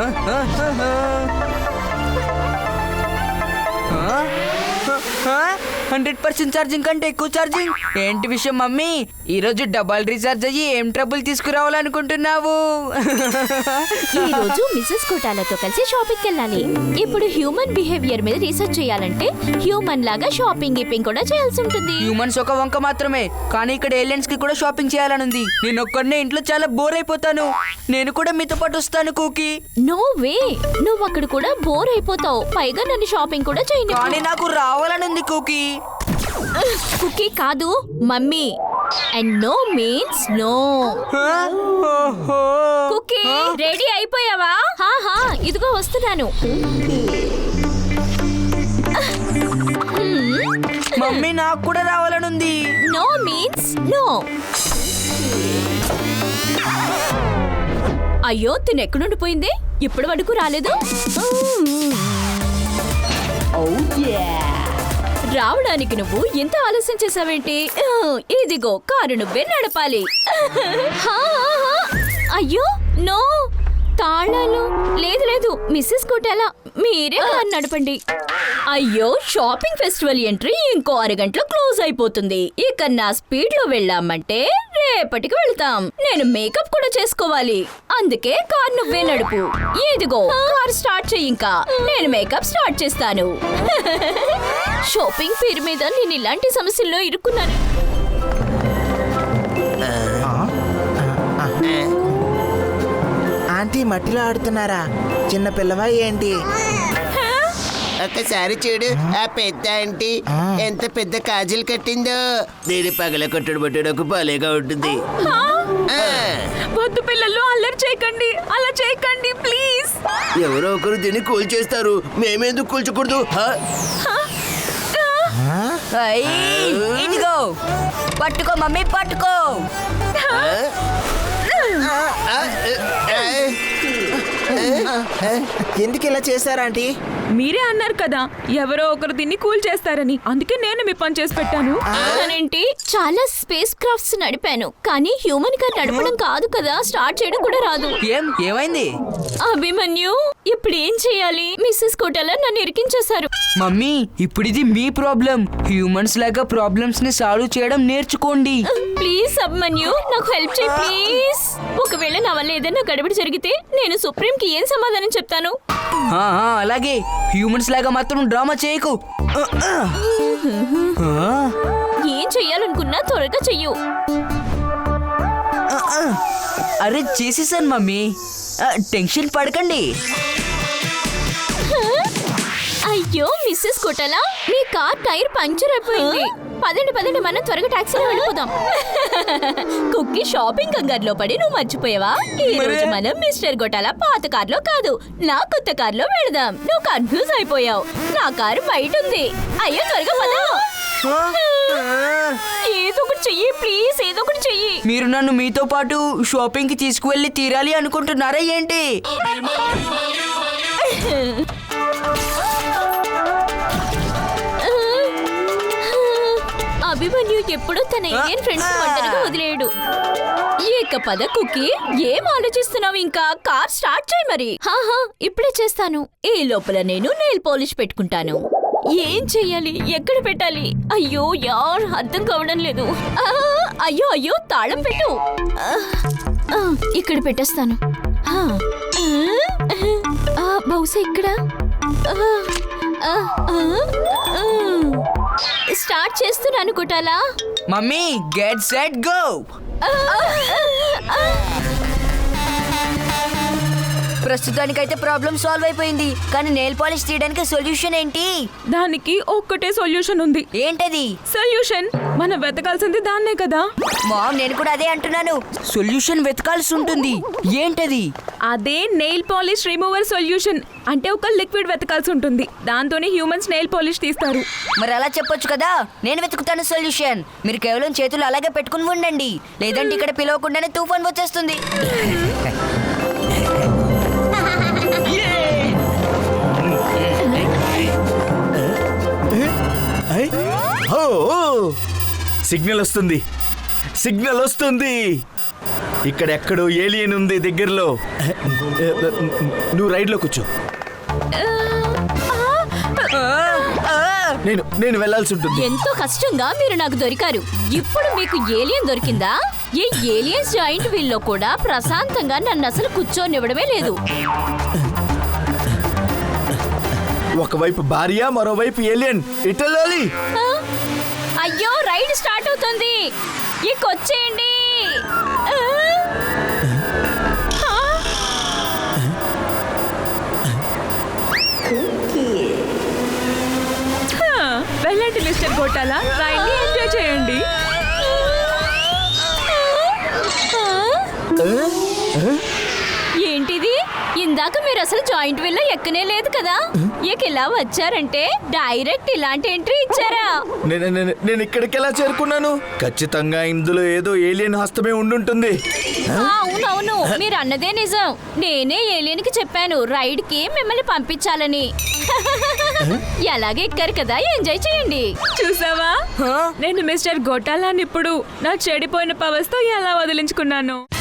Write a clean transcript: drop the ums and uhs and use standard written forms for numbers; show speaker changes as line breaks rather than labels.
100% charging కంటే ఎక్కువ charging ఏంటి విషయం మమ్మీ? ఈ రోజు డబల్ రీఛార్జ్ అయ్యి ఏం ట్రబుల్ తీసుకురావాలనుకుంటున్నావు?
ఈ రోజు మిసెస్ కోటాలతో కలిసి షాపింగ్కి వెళ్ళాలి. ఇప్పుడు హ్యూమన్ బిహేవియర్ మీద రీసెర్చ్ చేయాలంటే హ్యూమన్ లాగా షాపింగ్ గిపింగ్ కూడా చేయాల్సి ఉంటుంది.
హ్యూమన్స్ ఒక వంక మాత్రమే, కానీ ఇక్కడ ఏలియన్స్ కి కూడా షాపింగ్ చేయాలనుంది. నేను ఒక్కడనే ఇంట్లో చాలా బోర్ అయిపోతాను. నేను కూడా మీతో పాటు వస్తాను కుకీ.
నో వే, నువ్వు అక్కడ కూడా బోర్ అయిపోతావు. పైగా నన్ను షాపింగ్ కూడా చేయను.
కానీ నాకు రావాలనుంది కుకీ.
కుకీ కాదు mummy. And no means no. Cookie ready అయిపోయావా? హా ఇదిగో వస్తున్నాను.
మమ్మీ నాకు కూడా రావాలనుంది.
No means no. అయ్యో తిను ఎక్కడుండిపోయింది? ఇప్పటి వరకు రాలేదు. రావడానికి నువ్వు ఎంత ఆలస్యం చేసావేంటి? ఇదిగో కారు నువ్వే నడపాలి. అయ్యో నో, తాళాలు లేదు లేదు. మిస్సెస్ కోటాలా మీరే కారు నడపండి. అయ్యో షాపింగ్ ఫెస్టివల్ ఎంట్రీ ఇంకో అరగంటలో క్లోజ్ అయిపోతుంది. ఇక నా స్పీడ్ లో వెళ్ళామంటే రేపటికి వెళ్తాం. నేను మేకప్ కూడా చేసుకోవాలి. అందుకే కార్ నువ్వే నడుపు. ఇదిగో కార్ స్టార్ట్ చెయ్యి. ఇంకా నేను మేకప్ స్టార్ట్ చేస్తాను. షాపింగ్ పేరు మీద నేను ఇలాంటి సమస్యల్లో ఇరుక్కున్నాను.
ఆంటీ మట్టిలో ఆడుతున్నారా? చిన్న పిల్లవా ఏంటి?
ఒక్కసారి చూడు, ఆ పెద్ద ఆంటీ ఎంత పెద్ద కాజులు కట్టిందో. దీని పగల కొట్టుడు బట్టుడకు భలేగా ఉంటుంది.
వద్దు పిల్లలు, అల్లరి చేయకండి, అలా చేయకండి ప్లీజ్.
ఎవరో ఒకరు దీన్ని కూల్చేస్తారు, మేమెందుకు కూల్చకూడదు?
ఇదిగో పట్టుకో మమ్మీ, పట్టుకో.
ఎందుకు ఇలా చేశారా ఆంటీ?
మీరే అన్నారు కదా ఎవరో ఒకరు దీన్ని కూల్ చేస్తారని, అందుకే నేను మీ పని చేసి పెట్టాను.
ఏంటి? చాలా స్పేస్ క్రాఫ్ట్స్ నడిపాను, కానీ హ్యూమన్ కార్ నడపడం కాదు కదా, స్టార్ట్ చేయడం కూడా రాదు.
ఏమైంది
అభిమన్యు? ఇప్పుడు ఏం చేయాలి? మిస్సెస్ కోటాలా నన్ను ఇరికించేశారు.
మమ్మీ ఇప్పుడు ఇది మీ ప్రాబ్లం. హ్యూమన్స్ లాగా ప్రాబ్లమ్స్ ని సాల్వ్ చేయడం నేర్చుకోండి.
ప్లీజ్ అభిమన్యు, నాకు హెల్ప్ చేయి ప్లీజ్. ఒకవేళ నా వల్ల ఏదైనా గడబడి జరిగితే నేను సుప్రీం కి ఏం సమాధానం చెప్తాను?
అలాగే హ్యూమన్స్ లాగా మాత్రం డ్రామా చేయకు.
ఏం చెయ్యాలనుకున్నా త్వరగా చెయ్యు.
అరే చేసేసాను మమ్మీ, టెన్షన్ పడకండి.
అయ్యో మిస్సెస్ కోటాలా, మీ కార్ టైర్ పంక్చర్ అయిపోయింది. పదండి మనం త్వరగా టాక్సీలో వెళ్ళిపోదాం. కుక్కీ షాపింగ్ కంగారులో పడి నువ్వు మర్చిపోయావా? ఈ రోజు మనం మిస్టర్ కోటాలా పాత కార్లో కాదు, నా కొత్త కార్లో వెళదాం. నువ్వు కన్ఫ్యూజ్ అయిపోయావు. నా కారు బయట ఉంది. అయ్యో త్వరగా పద. ఏదో ఒకటి చెయ్యి ప్లీజ్, ఏదో ఒకటి చెయ్యి.
మీరు నన్ను మీతో పాటు షాపింగ్ కి తీసుకువెళ్ళి తీరాలి అనుకుంటున్నారా ఏంటి?
అభిమన్యు ఎప్పుడు తన ఇండియన్ ఫ్రెండ్స్ ఒంటరిగా వదిలేయడు. ఏక పద కుక్కీ, ఏం ఆలోచిస్తున్నావు? ఇంకా కార్ స్టార్ట్ చేయి మరి. ఇప్పుడే చేస్తాను. ఈ లోపల నేను నెయిల్ పాలిష్ పెట్టుకుంటాను. ఏం చెయ్యాలి, ఎక్కడ పెట్టాలి? అయ్యో యార్, అర్థం కావడం లేదు. అయ్యో తాళం పెట్టు. ఇక్కడ పెట్టేస్తాను. బహుశా ఇక్కడ. స్టార్ట్ చేస్తున్నాను Kotala.
Mummy get set go. ప్రస్తుతానికైతే ప్రాబ్లం సాల్వ్ అయిపోయింది, కానీ నెయిల్ పాలిష్ తీయడానికి సొల్యూషన్ ఏంటి?
దానికి ఒక్కటే సొల్యూషన్ ఉంది.
ఏంటది?
సొల్యూషన్ మనం వెతకాల్సింది దాన్నే కదా.
మామ్ నేను కూడా అదే అంటున్నాను, సొల్యూషన్ వెతకాల్సి ఉంటుంది. ఏంటది?
అదే నెయిల్ పాలిష్ రిమూవర్ సొల్యూషన్. అంటే ఒక లిక్విడ్ వెతకాల్సి ఉంటుంది, దాంతోనే హ్యూమన్స్ నెయిల్ పాలిష్ తీస్తారు.
మరి అలా చెప్పొచ్చు కదా, నేను వెతుకుతాను సొల్యూషన్. మీరు కేవలం చేతులు అలాగే పెట్టుకుని ఉండండి, లేదంటే ఇక్కడ పిలవకుండానే తుఫాన్ వచ్చేస్తుంది.
సిగ్నల్ వస్తుంది, సిగ్నల్ వస్తుంది. ఇక్కడ ఎక్కడో ఏలియన్ ఉంది దగ్గరలో. నువ్వు రైడ్లో కూర్చో. నేను వెళ్ళాల్సి ఉంటుంది.
ఎంతో కష్టంగా మీరు నాకు దొరికారు. ఇప్పుడు మీకు ఏలియన్ దొరికిందా? ఈ ఏలియన్స్ జాయింట్ వీల్లో కూడా ప్రశాంతంగా నన్ను అసలు కూర్చోనివ్వడమే లేదు.
ఒకవైపు భార్య, మరోవైపు ఏలియన్. ఇటలాలి.
ఆ? అయ్యో, రైడ్ స్టార్ట్ అవుతుంది. వచ్చేయండి.
వెళ్ళండి మిస్టర్ గోటాలా, రైడ్ని ఎంజాయ్ చేయండి.
ఏంటిది? ఇందాక మీరు అసలు జాయింట్ వీల్లో ఎక్కనే లేదు కదా. ఇలా వచ్చారంటే డైరెక్ట్ ఇలాంటి ఎంట్రీ ఇచ్చారా?
నేను ఇక్కడికి ఎలా చేరుకున్నాను? ఖచ్చితంగా ఇందులో ఏదో ఏలియన్ హస్తమే ఉండుంటుంది.
అవునవును, మీరు అన్నదే నిజం. నేనే ఏలియన్ కి చెప్పాను రైడ్ కి మిమ్మల్ని పంపించాలని. ఎలాగే ఎక్కారు కదా, ఎంజాయ్ చేయండి.
చూసావా, నేను మిస్టర్ గోటాలాని ఇప్పుడు నా చెడిపోయిన పవర్స్ తో ఎలా వదిలించుకున్నాను.